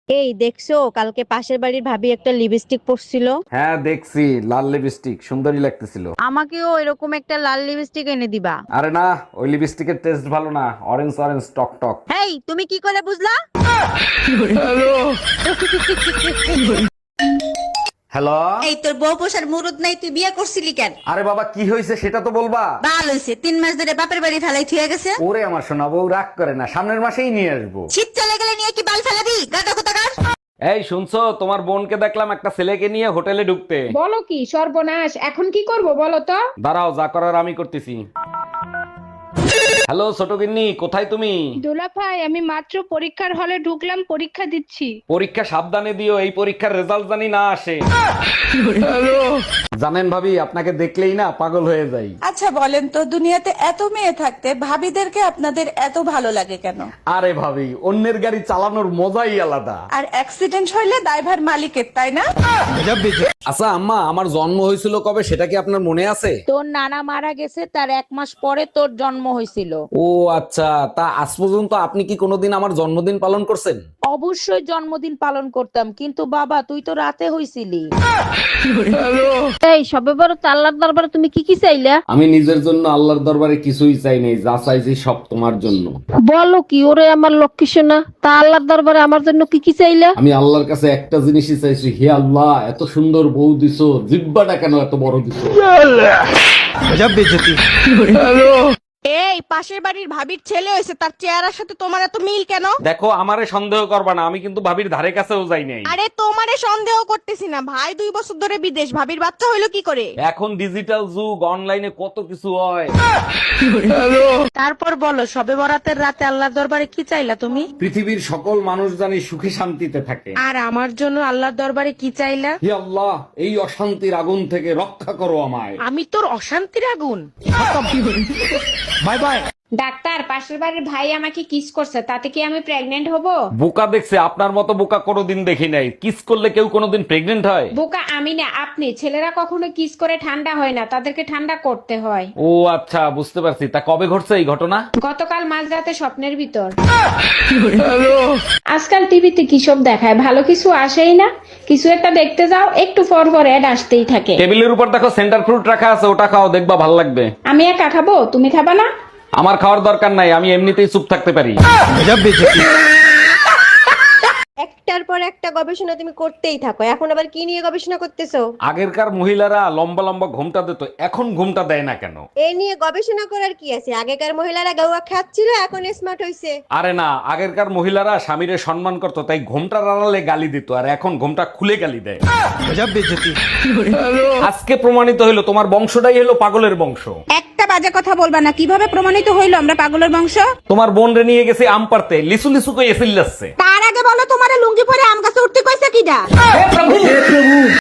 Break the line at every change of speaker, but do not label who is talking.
এই দেখছো, কালকে পাশের বাড়ির ভাবি একটা লিপস্টিক পরছিল।
হ্যাঁ দেখছি, লাল লিপস্টিক সুন্দরী লাগতেছিল।
আমাকেও এরকম একটা লাল লিপস্টিক এনে দিবা।
আরে না, ওই লিপস্টিকের টেস্ট ভালো না, অরেঞ্জ অরেঞ্জ টক টক।
হেই, তুমি কি করে বুঝলা?
হ্যালো।
এই তোর বউ পোষার মুরুদ নাই, তুই বিয়ে করছিলি কেন?
আরে বাবা, কি হয়েছে সেটা তো বলবা।
বাল হইছে, 3 মাস ধরে বাপের বাড়ি ফেলাই থুয়ে গেছে।
ওরে আমার সোনা বউ, রাগ করে না, সামনের মাসেই নিয়ে আসবো।
শীত চলে গেলে নিয়ে কি বাল ফেলাবি? গাদা কোথাকার।
এই শুনছো, তোমার বোনকে দেখলাম একটা ছেলেকে নিয়ে হোটেলে ঢুকতে।
বলো কি সর্বনাশ, এখন কি করব বলো তো?
দাঁড়াও, যা করার আমি করতেছি। হ্যালো ছোট গিন্নি, কোথায় তুমি?
দোলা ভাই, আমি মাত্র পরীক্ষার হলে ঢুকলাম, পরীক্ষা দিচ্ছি।
পরীক্ষা সাবধানে দিও, এই পরীক্ষার রেজাল্ট জানি না আসে। জানেন ভাবি, আপনাকে দেখলেই না পাগল হয়ে যাই।
আচ্ছা বলেন তো, দুনিয়াতে এত মেয়ে থাকতে ভাবিদেরকে আপনাদের এত ভালো লাগে কেন?
আরে ভাবি, অন্যের গাড়ি চালানোর মজাই আলাদা।
আর অ্যাক্সিডেন্ট হইলে দায়ভার মালিকের, তাই না?
আচ্ছা আম্মা, আমার জন্ম হয়েছিল কবে সেটা কি আপনার মনে আছে?
তোর নানা মারা গেছে, তার 1 মাস পরে তোর জন্ম হয়েছিল।
ও আচ্ছা, তা আজ পর্যন্ত আপনি কি কোনোদিন আমার জন্মদিন পালন করছেন?
অবশ্যই জন্মদিন পালন করতাম, কিন্তু বাবা তুই তো রাতে হইছিলি। এই সবে বড় আল্লাহর দরবারে তুমি কি কি চাইলা?
আমি নিজের জন্য আল্লাহর দরবারে কিছুই চাই নাই, যা চাইছি সব তোমার জন্য।
বলো কি, ওরে আমার লক্ষ্মী সোনা, তা আল্লাহর দরবারে আমার জন্য কি কি চাইলা?
আমি আল্লাহর কাছে একটা জিনিসই চাইছি, হে আল্লাহ, এত সুন্দর বউ দিছো, জিব্বাটা কেন এত বড় দিছো?
এই পাশের বাড়ির ভাবির ছেলে হয়েছে, তার চেহারার সাথে তোমার এত মিল কেন?
দেখো, আমারে সন্দেহ করবা না, আমি কিন্তু ভাবির ধারে কাছেও যাই নাই।
আরে তোমারে সন্দেহ করতেছি না, ভাই 2 বছর ধরে বিদেশ, ভাবির বাচ্চা হইলো কি করে?
এখন ডিজিটাল যুগ, অনলাইনে কত কিছু হয়।
তারপর বলো, সবে বরাতের রাতে আল্লাহর দরবারে কি চাইলা তুমি?
পৃথিবীর সকল মানুষ জানি সুখে শান্তিতে থাকে।
আর আমার জন্য আল্লাহর দরবারে কি চাইলা?
হে আল্লাহ, এই অশান্তির আগুন থেকে রক্ষা করো আমায়।
আমি তোর অশান্তির আগুন।
Bye bye.
ডাক্তার, পাশের বাড়ির ভাই আমাকে কিস করছে, তাতে কি আমি প্রেগনেন্ট হব?
বোকা দেখছে, আপনার মতো বোকা কোনোদিন দেখি নাই। কিস করলে কেউ কোনোদিন প্রেগনেন্ট হয়?
বোকা আমি না, আপনি। ছেলেরা কখনো কিস করে ঠান্ডা হয় না, তাদেরকে ঠান্ডা করতে হয়।
ও আচ্ছা, বুঝতে পারছি। তা কবে ঘটছে এই ঘটনা?
গতকাল মাঝরাতে স্বপ্নের ভিতর। আজকাল টিভিতে কি সব দেখায়, ভালো কিছু আসেই না। কিছু একটা দেখতে যাও, একটু পর পর অ্যাড আসতেই থাকে।
টেবিলের উপর দেখো সেন্টার ফ্রুট রাখা আছে, ওটা খাও, দেখবা ভালো লাগবে।
আমি একা খাবো, তুমি খাবা না?
আমার খাওয়ার দরকার নাই, আমি এমনিতেই চুপ থাকতে পারি।
একটার পর একটা গবেষণা তুমি করতেই থাকো, এখন আবার কি নিয়ে গবেষণা করতেছো?
আগেরকার মহিলারা লম্বা লম্বা ঘুমটা দিত, এখন ঘুমটা দেয় না কেন?
এ নিয়ে গবেষণা করার কি আছে? আগেকার মহিলারা গাওয়া খাচ্ছিল, এখন স্মার্ট হইছে।
আরে না, আগেরকার মহিলারা স্বামীরে সম্মান করত, তাই ঘুমটার আড়ালে গালি দিত, আর এখন ঘুমটা খুলে গালি দেয়। আজকে প্রমাণিত হইলো তোমার বংশটাই হলো পাগলের বংশ।
একটা বাজে কথা বলবা না, কিভাবে প্রমাণিত হইলো আমরা পাগলের বংশ?
তোমার বোন রে নিয়ে গেছে আম পারতে, লিসু লিসু কই এসিল যাচ্ছে।
তার আগে বলো, তোমারে লুঙ্গি পরে আম গাছে উঠতে কইছে কিডা?